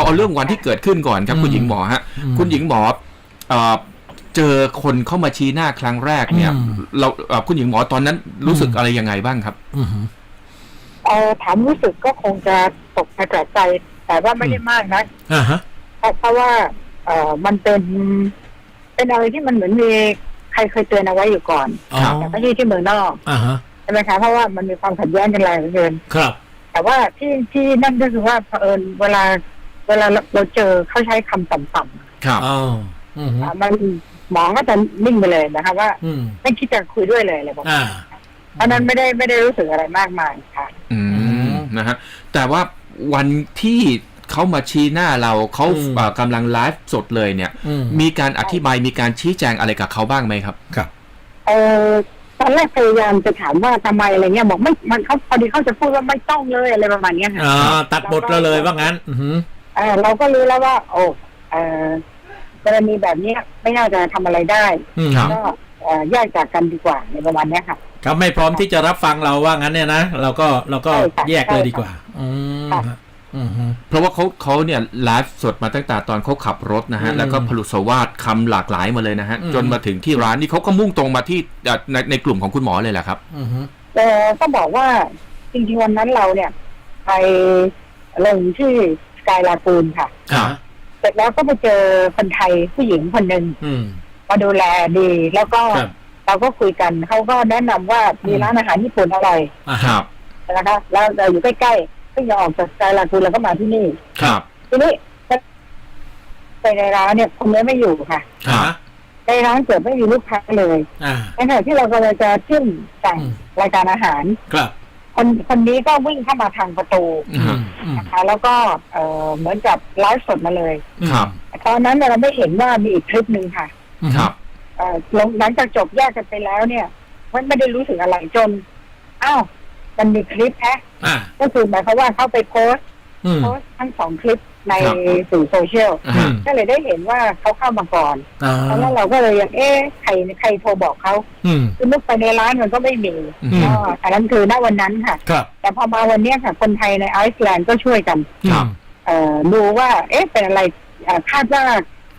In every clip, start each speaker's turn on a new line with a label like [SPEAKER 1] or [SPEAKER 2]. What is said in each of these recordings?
[SPEAKER 1] เอาเรื่องวันที่เกิดขึ้นก่อนครับคุณหญิงหมอฮะคุณหญิงหมอเจอคนเข้ามาชี้หน้าครั้งแรกเนี่ยเราคุณหญิงหมอตอนนั้นรู้สึกอะไรยังไงบ้างครับ
[SPEAKER 2] ถามรู้สึกก็คงจะตกใจแต่ว่าไม่ได้มากนะเพราะว่ามันเป็นอะไรที่มันเหมือนมีใครเคยเตือนเอาไว้อยู่ก่อนแต่ไม่ใช่ที่เมืองนอกใช่ไหมคะเพราะว่ามันมีความขัดแย้งกันแรงเหลือเกิน
[SPEAKER 3] ครับ
[SPEAKER 2] แต่ว่าที่นั่นก็คือว่าเผอิญเวลาเราเจอเขาใช้คำต่ำ
[SPEAKER 1] ๆครับ
[SPEAKER 2] มันหมอก็จะนิ่งไปเลยนะคะว่าไม่คิดจะคุยด้วยเลยอะไรแบบนี้เพราะนั้นไม่ได้รู้สึกอะไรมากมายค่ะ
[SPEAKER 1] นะฮะแต่ว่าวันที่เขามาชี้หน้าเราเขากำลังไลฟ์สดเลยเนี่ยมีการอธิบายมีการชี้แจงอะไรกับเขาบ้างไหมครับ
[SPEAKER 3] ครับ
[SPEAKER 2] ตอนแรกพยายามจะถามว่าทำไมอะไรเงี้ยบอกไม่มันเขาพอดีเขาจะพูดว่าไม่ต้องเลยอะไรประมาณนี้ค่ะ
[SPEAKER 3] ตัดบทเราเลยว่างั้น
[SPEAKER 2] เราก็รู้แล้วว่ากรณีแบบนี้ไม่น่าจะทำอะไรได้ก็แยกจากกันดีกว่าในประมาณนี้ค่ะ
[SPEAKER 3] เขาไม่พร้อมที่จะรับฟังเราว่างั้นเนี่ยนะเราก็แยกเลยดีกว่า
[SPEAKER 1] เพราะว่าเขาเนี่ยไลฟ์สดมาตั้งแต่ตอนเขาขับรถนะฮะแล้วก็พลุสวาทคำหลากหลายมาเลยนะฮะจนมาถึงที่ร้านนี่เขาก็มุ่งตรงมาที่ในกลุ่มของคุณหมอเลยแหละครับ
[SPEAKER 2] ก็บอกว่าจริงๆวันนั้นเราเนี่ยไปลงที่สกายลากูนค่ะเสร็จแล้วก็ไปเจอคนไทยผู้หญิงคนหนึ่งมาดูแลดีแล้วก็เราก็คุยกันเขาก็แนะนำว่ามีร้านอาหารญี่ปุ่นอร่อยนะคะแล้วเราอยู่ใกล้ๆก็อย่าออกจากสกายลากูนแล้วก็มาที่นี่ทีนี้ไปในร้านเนี่ยคนนี้ไม่อยู่ค่ะในร้านเกิดไม่มีลูกค้าเลยในขณะที่เรากำลังจะขึ้นสั่งรายการอาหารคนนี้ก็วิ่งเข้ามาทางประตูนะคะแล้วก็เหมือนกับไลฟ์สดมาเลยตอนนั้นเราไม่เห็นว่ามีอีกคลิปหนึ่งค่ะหลังจากจบแยกกันไปแล้วเนี่ยไม่ได้รู้สึกอะไรจนมันมีคลิปก็คือหมายความว่าเขาไปโพสต์ทั้งสองคลิปในสื่อโซเชียลก็เลยได้เห็นว่าเขาเข้ามาก่อนแล้วเราก็เลยยังใครโทรบอกเขาคือนึกไปในร้านมันก็ไม่มีอันนั้นคือณวันนั้นค่ะแต่พอมาวันนี้ค่ะคนไทยในไอซ์แลนด์ก็ช่วยกันดูว่าเป็นอะไรคาดว่า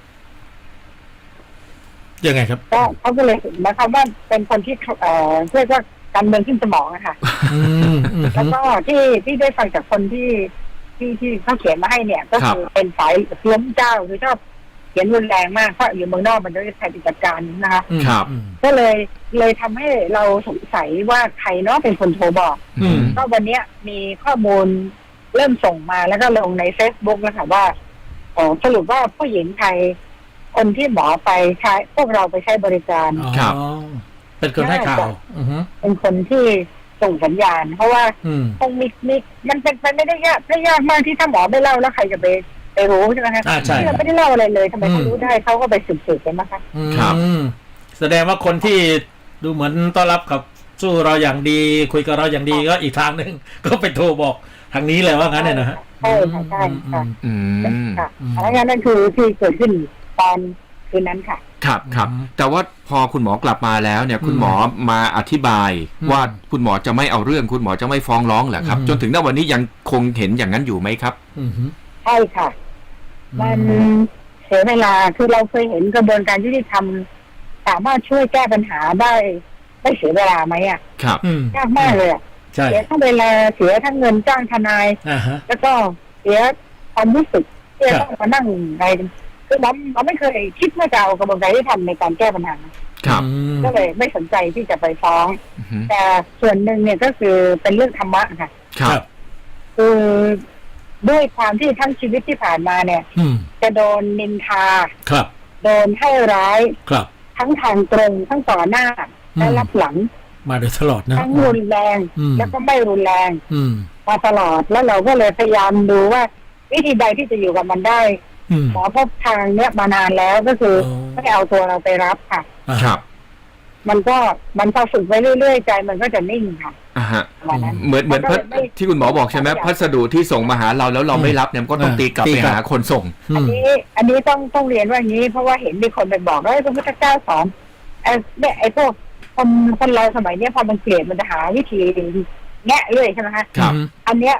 [SPEAKER 3] ยังไงครับ
[SPEAKER 2] ก็เขาก็เลยนะคะว่าเป็นคนที่เรียกว่าการเมืองขึ้นสมองนะคะแล้วก็ที่ได้ฟังจากคนที่เขาเขียนมาให้เนี่ยก็คือเป็นสายล้มเจ้าคือชอบเขียนรุนแรงมากเพราะอยู่เมืองนอกมันจะใช้จัดการนะคะก็เลยทำให้เราสงสัยว่าใครเนาะเป็นคนโทรบอกก็วันนี้มีข้อมูลเริ่มส่งมาแล้วก็ลงใน Facebook แล้วค่ะว่าสรุปว่าผู้หญิงไทยคนที่หมอไปใช้พวกเราไปใช้บริการ
[SPEAKER 3] เป็นคนให้ข่าว
[SPEAKER 2] เป็นคนที่ส่งสัญญาณเพราะว่าคงมีมันเป็นไปไม่ได้ยากมากที่ถ้าหมอไม่เล่าแล้วใครจะไปรู้ใช่ไหมคะที่เราไม่ได้เล่าอะไรเลยทำไมเขารู้ได้เขาก็ไปสืบกันนะคะ
[SPEAKER 3] ครับแสดงว่าคนที่ดูเหมือนต้อนรับกับสู้เราอย่างดีคุยกับเราอย่างดีก็อีกทางหนึ่งก็ไปโทรบอกทางนี้เลยว่างั้นเนี่ยนะฮะ
[SPEAKER 2] ใช่ค่ะใช่ค่ะแล้วนั่นคือที่เกิดขึ้นตอนคืนนั้นค่ะ
[SPEAKER 1] ครับแต่ว่าพอคุณหมอกลับมาแล้วเนี่ยคุณหมอมาอธิบายว่าคุณหมอจะไม่เอาเรื่องคุณหมอจะไม่ฟ้องร้องเหรอครับจนถึงณวันนี้ยังคงเห็นอย่างนั้นอยู่ไหมครับ
[SPEAKER 2] ใช่ค่ะมันเสียเวลาคือเราเคยเห็นกระบวนการยุติธรรมสามารถช่วยแก้ปัญหาได้ไม่เสียเวลาไหม
[SPEAKER 1] ครับ
[SPEAKER 2] ยากมากเลยเสียทั้งเวลาเสียทั้งเงินจ้างทนายแล้วก็เสียความรู้สึกที่ต้องมานั่งในคือเราไม่เคยคิดว่าจะเอากระบวนการที่ทำในการแก้ปัญหาก็เลยไม่สนใจที่จะไปฟ้องแต่ส่วนหนึ่งเนี่ยก็คือเป็นเรื่องธรรมะค่ะคือด้วยความที่ทั้งชีวิตที่ผ่านมาเนี่ยจะโดนนินทาโดนให้ร้ายทั้งทางตรงทั้งต่อหน้าและรับหลัง
[SPEAKER 3] มาโดยตลอดนะ
[SPEAKER 2] ทั้งรุนแรงแล้วก็ไม่รุนแรงมาตลอดแล้วเราก็เลยพยายามดูว่าวิธีใดที่จะอยู่กับมันได้หมอพบทางเนี้ยมานานแล้วก็คือไม่เอาตัวเราไปรับค่ะมันพอฝึกไปเรื่อยๆใจมันก็จะนิ่งค่ะ
[SPEAKER 1] เหมือนที่คุณหมอบอกใช่ไหมพัสดุที่ส่งมาหาเราแล้วเราไม่รับเนี่ยก็ต้องตีกลับไปหาคนส่ง
[SPEAKER 2] อันนี้ต้องเรียนว่าอย่างนี้เพราะว่าเห็นมีคนไปบอกว่าพระพุทธเจ้าสอนไอ้พวกคนเราสมัยนี้พอมันเกลียดมันจะหาวิธีแงะเลยใช่ไหมคะอันเนี้ยใ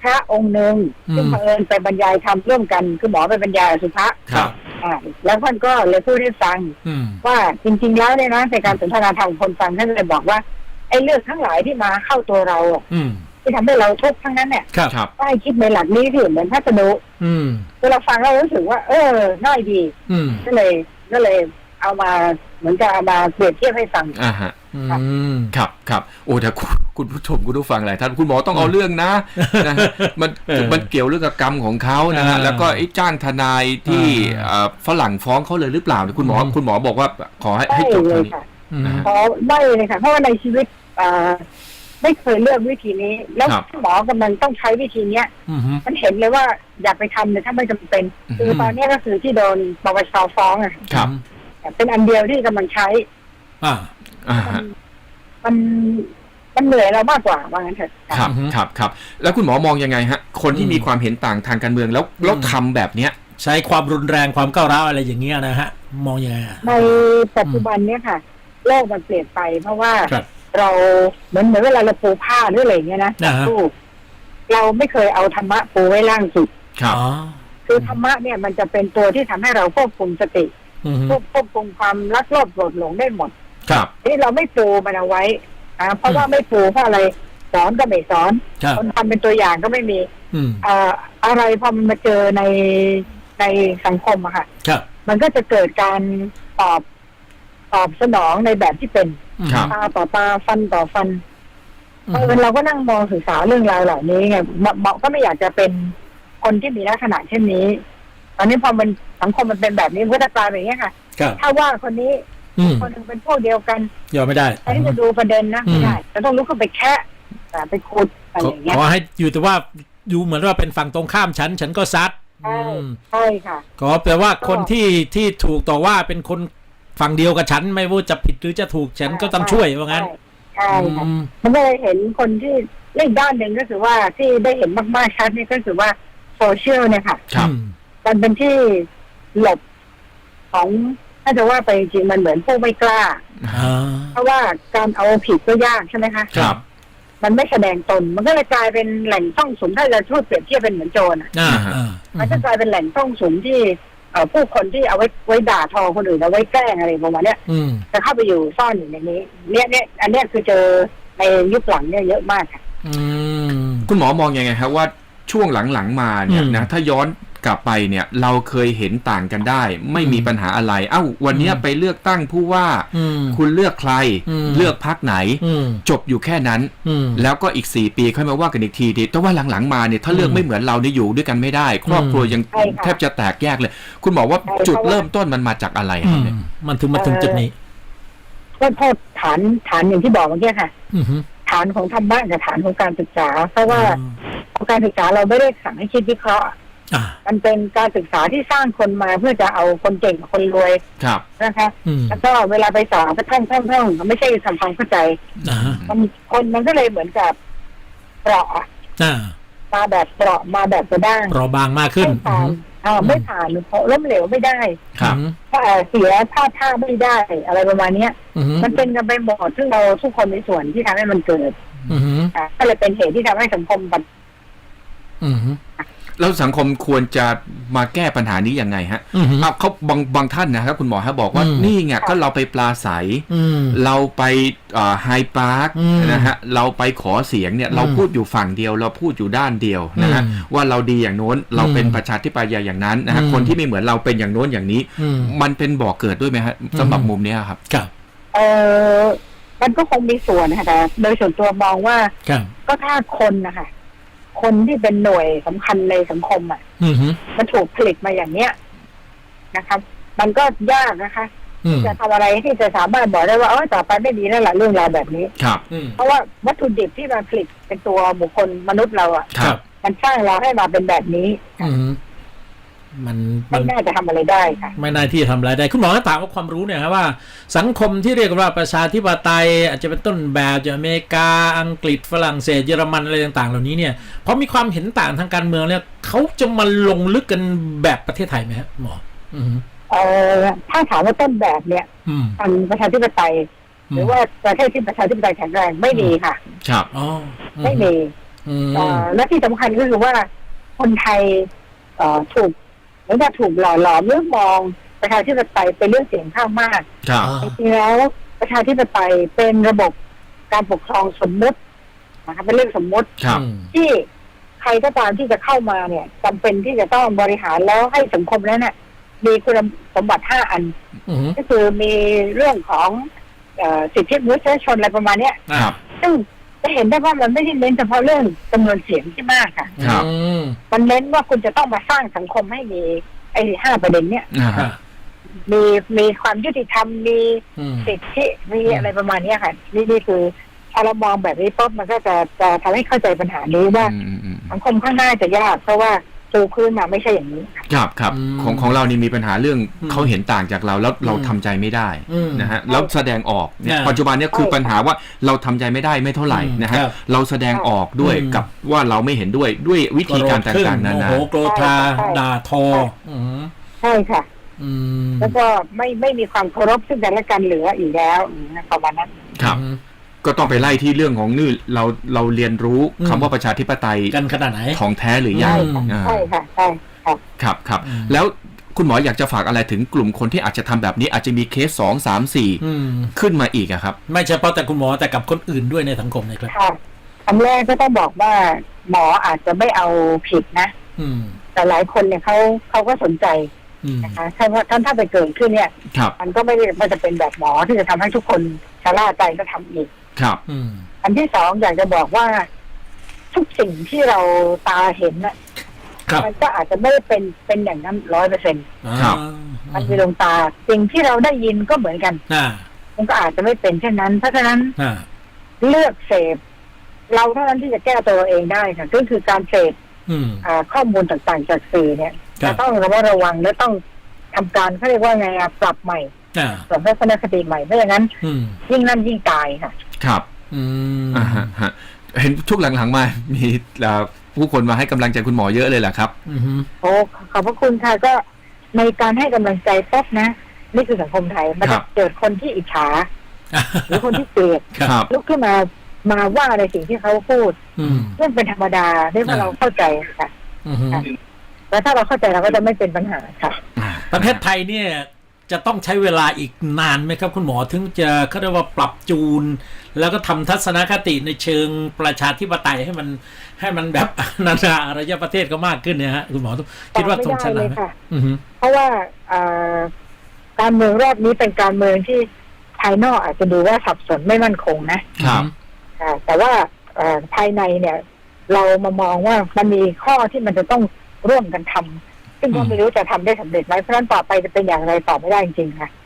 [SPEAKER 2] พระองค์หนึ่งซึ่งเผอิญไปบรรยายธรรมร่วมกันคือหมอไปบรรยายอสุภะ
[SPEAKER 3] ครับ
[SPEAKER 2] แล้วท่านก็เลยพูดให้ฟังว่าจริงๆแล้วเนี่ยนะในการสนทนาธรรมคนฟังท่านเลยบอกว่าไอ้เรื่องทั้งหลายที่มาเข้าตัวเราที่ทำให้เราทุกข์ทั้งนั้นเนี่ยก็ให้คิดในหลักนี้ที่เหมือนพัสดุเวลาฟังเรารู้สึกว่าง่ายดีก็เลยเอามาเหมือนกับเอามาเปรียบเทียบให้ฟัง
[SPEAKER 1] ครับโอ้แต่คุณผู้ชมคุณผู้ฟังหลายท่านคุณหมอต้องเอาเรื่องนะมันเกี่ยวเรื่องกับกรรมของเขานะฮะแล้วก็ไอ้จ้างทนายที่ฝรั่งฟ้องเขาเลยหรือเปล่าคุณหมอบอกว่าขอให้จบตรงนี้
[SPEAKER 2] ขอไม่เลยค่ะเพราะว่าในชีวิตไม่เคยเลือกวิธีนี้แล้วหมอกำลังต้องใช้วิธีเนี้ยมันเห็นเลยว่าอย่าไปทำเลยถ้าไม่จำเป็นคือตอนนี้ก็คือที่โดนปปชฟ้องเป็นอันเดียวที่กำลังใช้มันเหนื่อยเรามากกว่าว่างั้นเถอะ
[SPEAKER 1] ครับแล้วคุณหมอมองยังไงฮะคนที่มีความเห็นต่างทางการเมืองแล้วทำแบบเนี้ย
[SPEAKER 3] ใช้ความรุนแรงความก้าวร้าวอะไรอย่างเงี้ยนะฮะมองยังไง
[SPEAKER 2] ในปัจจุบันเนี้ยค่ะโลกมันเปลี่ยนไปเพราะว่าเราเหมือนเวลาเราปูผ้าหรืออะไรเงี้ยนะเราไม่เคยเอาธรรมะปูไว้ล่างสุดคือธรรมะเนี่ยมันจะเป็นตัวที่ทำให้เราควบคุมสติควบคุมความรักโลภโกรธหลงได้หมดที่เราไม่ปูมันเอาไว้เพราะว่าไม่ปูเพราะอะไรสอนก็ไม่สอนคนทำเป็นตัวอย่างก็ไม่มีอะไรพอมันมาเจอในสังคมอะค่ะมันก็จะเกิดการตอบสนองในแบบที่เป็นตาต่อตาฟันต่อฟันเราก็นั่งมองศึกษาเรื่องราวเหล่านี้ไงเหมาะก็ไม่อยากจะเป็นคนที่มีลักษณะเช่นนี้ตอนนี้พอมันสังคมมันเป็นแบบนี้ก็จะกลายเป็นอย่างนี้ค่ะถ้าว่าคนนี้คนนึงเป็นพวกเดียวกัน
[SPEAKER 3] ยอมไม่ได้
[SPEAKER 2] อันนี้จะดูประเด็นนะไม่ได้จะต้องลุกขึ้นไปแค่ไปขุดอะไรอย่างเงี้ย
[SPEAKER 3] ขอให้อยู่แต่ว่าอยู่เหมือนว่าเป็นฝั่งตรงข้ามฉันก็ซัด
[SPEAKER 2] ใช่ค่ะ
[SPEAKER 3] ก็แปลว่าคนที่ถูกต่อว่าเป็นคนฝั่งเดียวกับฉันไม่ว่าจะผิดหรือจะถูกฉันก็ต้องช่วยว่างั้น
[SPEAKER 2] ใช่ค่ะมันก็เลยเห็นคนที่เล่นด้านหนึ่งก็คือว่าที่ได้เห็นมากๆชัดนี่ก็คือว่าโซเชียลเนี่ยค่ะมันเป็นที่หลบของถ้าจะว่าไปจริงมันเหมือนผู้ไม่กล้าเพราะว่าการเอาผิดก็ยากใช่ไหมคะ
[SPEAKER 1] ครับ
[SPEAKER 2] มันไม่แสดงตนมันก็เลยกลายเป็นแหล่งซ่องสุมถ้าเราพูดเปรียบเทียบเป็นเหมือนโจรมันจะกลายเป็นแหล่งซ่องสุมที่ผู้คนที่เอาไว้ด่าทอคนอื่นเอาไว้แกล้งอะไรประมาณนี้จะเข้าไปอยู่ซ่อนอยู่ในนี้เนี่ยอันนี้คือเจอในยุคหลังเนี่ยเยอะมากค่ะ
[SPEAKER 1] คุณหมอมองยังไงครับว่าช่วงหลังๆมาเนี่ยนะถ้าย้อนกลับไปเนี่ยเราเคยเห็นต่างกันได้ไม่มีปัญหาอะไรวันนี้ไปเลือกตั้งผู้ว่าคุณเลือกใครเลือกพรรคไหนจบอยู่แค่นั้นแล้วก็อีก4 ปีค่อยมาว่ากันอีกทีดีแต่ว่าหลังๆมาเนี่ยถ้าเลือกไม่เหมือนเราเนี่ยอยู่ด้วยกันไม่ได้ครอบครัวยังแทบจะแตกแยกเลยคุณหมอว่าจุดเริ่มต้นมันมาจากอะไรครับเนี่ย
[SPEAKER 3] มันถึงจุดนี้
[SPEAKER 2] ก็โทษฐานอย่างที่บอกเมื่อกี้ค่ะฐานของธรรมะกับฐานของการศึกษาเพราะว่าการศึกษาเราไม่ได้สั่งให้คิดวิเคราะห์มันเป็นการศึกษาที่สร้างคนมาเพื่อจะเอาคนเก่งกับคนรวยนะคะแล้วก็เวลาไปสอนก็ท่องไม่ใช่ทำความเข้าใจมันก็เลยเหมือนกับเปราะมาแบบเปราะมาแบบกระด้าง
[SPEAKER 3] เปราะบางมากขึ้น
[SPEAKER 2] ไม่ผ่านเพราะล้มเหลวไม่ได้เสียท่าไม่ได้อะไรประมาณนี้มันเป็นกันไปหมดซึ่งเราทุกคนมีส่วนที่ทำให้มันเกิดก็เลยเป็นเหตุที่ทำให้สังคม
[SPEAKER 1] แล้วสังคมควรจะมาแก้ปัญหานี้ยังไงฮะเขาบางท่านนะครับคุณหมอฮะบอกว่านี่ไงก็เราไปปลาใสเราไปไฮพาร์คนะฮะเราไปขอเสียงเนี่ยเราพูดอยู่ฝั่งเดียวเราพูดอยู่ด้านเดียวนะฮะว่าเราดีอย่างโน้นเราเป็นประชาธิปไตยอย่างนั้นนะฮะคนที่ไม่เหมือนเราเป็นอย่างโน้นอย่างนี้มันเป็นบ่อเกิดด้วยไหมฮะสำหรับมุมนี้ครับ
[SPEAKER 2] มันก็คงมีส่วนนะคะแต่โดยส่วนตัวมองว่าก็ถ้าคนนะคะคนที่เป็นหน่วยสำคัญในสังคมมันถูกผลิตมาอย่างเนี้ยนะครับมันก็ยากนะคะจะทำอะไรที่จะสามารถบอกได้ว่าต่อไปไม่มีแล้วล่ะเรื่องราวแบบนี้เพราะว่าวัตถุดิบที่มาผลิตเป็นตัวบุคคลมนุษย์เรามันสร้างเราให้มาเป็นแบบนี้
[SPEAKER 3] มัน
[SPEAKER 2] ไม่น่าจะทำอะไรได้ค่ะ
[SPEAKER 3] ไม่น่าที่จะทำอะไรได้คุณหมอก็ถามว่าความรู้เนี่ยครับว่าสังคมที่เรียกว่าประชาธิปไตยอาจจะเป็นต้นแบบจากอเมริกาอังกฤษฝรั่งเศสเยอรมันอะไรต่างๆเหล่านี้เนี่ยพอมีความเห็นต่างทางการเมืองเนี่ยเขาจะมาลงลึกกันแบบประเทศไทยไหมครับหมอ
[SPEAKER 2] ถ้าถามว่าต้นแบบเนี่ยทางประชาธิปไตยหรือว่าประเทศที่ประชาธิปไตยแข็งแรงไม่มีค่ะ
[SPEAKER 1] ครับ
[SPEAKER 2] ไม่มีและที่สำคัญก็คือว่าคนไทยถูกเหมือนกับถูกหล่อหลอมเรื่องมองประชาธิปไตยเป็นเรื่องเสียงข้างมากจริงๆแล้วประชาธิปไตยเป็นระบบการปกครองสมมุตินะคะเป็นเรื่องสมมุติที่ใครก็ตามที่จะเข้ามาเนี่ยจำเป็นที่จะต้องบริหารแล้วให้สังคมนั้นเนี่ยมีคุณสมบัติ5 อันก็คือมีเรื่องของสิทธิมนุษยชนอะไรประมาณเนี้ยซึ่งจะเห็นได้ว่ามันไม่ได้เน้นเฉพาะเรื่องจำนวนเสียงที่มากค่ะมันเน้นว่าคุณจะต้องมาสร้างสังคมให้มีไอ้5 ประเด็นเนี้ยมีความยุติธรรมมีสิทธิมีอะไรประมาณนี้ค่ะนี่คือถ้าเรามองแบบนี้ปุ๊บมันก็จะทำให้เข้าใจปัญหานี้ว่าสังคมข้างหน้าจะยากเพราะว่าตูพื้นมาไม่ใช่อย่างนี้
[SPEAKER 1] ครับของเรานี่มีปัญหาเรื่องเขาเห็นต่างจากเราแล้วเราทำใจไม่ได้นะฮะแล้วแสดงออกเนี่ยปัจจุบันนี้คือปัญหาว่าเราทำใจไม่ได้ไม่เท่าไหร่นะฮะเราแสดงออกด้วยกับว่าเราไม่เห็นด้วยวิธีการต่างๆนั้นนะ
[SPEAKER 3] โอ้โหโกรธาด่าทอ
[SPEAKER 2] ใช่ค่ะแล้วก็ไม่มีความเคารพซึ่งกันและกันเหลืออีกแล้วประมาณนั้น
[SPEAKER 1] ครับก็ต้องไปไล่ที่เรื่องของนี่เราเรียนรู้คำว่าประชาธิปไตย
[SPEAKER 3] กันขนาดไหน
[SPEAKER 1] ของแท้หรือยัง
[SPEAKER 2] ใช่ค่ะใช่
[SPEAKER 1] ครับแล้วคุณหมออยากจะฝากอะไรถึงกลุ่มคนที่อาจจะทำแบบนี้อาจจะมีเคส2, 3, 4ขึ้นมาอีกครับ
[SPEAKER 3] ไม่เฉพาะแต่คุณหมอแต่กับคนอื่นด้วยในสังคมนะครับ
[SPEAKER 2] คำแรกก็ต้องบอกว่าหมออาจจะไม่เอาผิดนะแต่หลายคนเนี่ยเขาก็สนใจนะคะถ้าไปเกิดขึ้นเนี่ยมันก็ไม่ได้มันจะเป็นแบบหมอที่จะทำให้ทุกคนชะล่าใจก็ทำอีก
[SPEAKER 1] ครับ
[SPEAKER 2] อันที่สองอยากจะบอกว่าทุกสิ่งที่เราตาเห็นน่ะมันก็อาจจะไม่ได้เป็นอย่างนั้น100%
[SPEAKER 1] ครับ
[SPEAKER 2] มันมีดวงตาสิ่งที่เราได้ยินก็เหมือนกันมันก็อาจจะไม่เป็นเช่นนั้นเพราะฉะนั้นเลือกเสพเราเท่านั้นที่จะแก้ตัวเองได้ค่ะก็คือการเสพข้อมูลต่างๆจากสื่อเนี่ยจะต้องระวังและต้องทำการเขาเรียกว่าไงปรับใหม่ปรับทัศนคติใหม่ไม่อย่างนั้นยิ่งนั่นยิ่งตายค่ะ
[SPEAKER 1] ครับเห็นช่วงหลังๆมามีผู้คนมาให้กำลังใจคุณหมอเยอะเลยแหละครับ
[SPEAKER 2] โอ้ขอบพระคุณค่ะก็ในการให้กำลังใจป๊บนะนี่คือสังคมไทยมันจะเกิดคนที่อิจฉาหรือคนที่เกลียดลุกขึ้นมาว่าในสิ่งที่เขาพูดเรื่องเป็นธรรมดาที่เราเข้าใจค่ะแล้วถ้าเราเข้าใจเราก็จะไม่เป็นปัญหาค่ะ
[SPEAKER 3] ประเทศไทยเนี่ยจะต้องใช้เวลาอีกนานไหมครับคุณหมอถึงจะเขาเรียกว่าปรับจูนแล้วก็ทำทัศนคติในเชิงประชาธิปไตยให้มันแบบนานาอารยประเทศก็มากขึ้นเนี่ยฮะคุณหมอคิดว่าตรงชั้นไหน
[SPEAKER 2] เพราะว่าการเมืองรอบนี้เป็นการเมืองที่ภายนอกอาจจะดูว่าสับสนไม่มั่นคงนะครับแต่ว่าภายในเนี่ยเรามามองว่ามันมีข้อที่มันจะต้องร่วมกันทำซึ่งก็ไม่รู้จะทำได้สำเร็จไหมเพราะฉะนั้นต่อไปจะเป็นอย่างไรตอบไม่ได้จริงๆค่ะ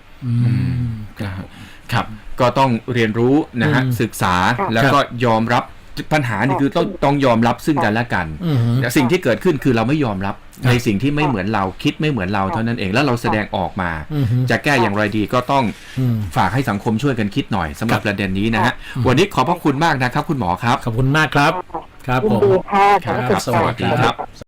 [SPEAKER 1] ครับก็ต้องเรียนรู้นะฮะศึกษาแล้วก็ยอมรับปัญหานี่คือต้องยอมรับซึ่งกันและกันแต่สิ่งที่เกิดขึ้นคือเราไม่ยอมรับในสิ่งที่ไม่เหมือนเราคิดไม่เหมือนเราเท่านั้นเองแล้วเราแสดงออกมาจะแก้อย่างไรดีก็ต้องฝากให้สังคมช่วยกันคิดหน่อยสำหรับประเด็นนี้นะฮะวันนี้ขอบพระคุณมากนะครับคุณหมอครับ
[SPEAKER 3] ขอบคุณมากครับครับผม
[SPEAKER 2] สวัสดี
[SPEAKER 1] ครับ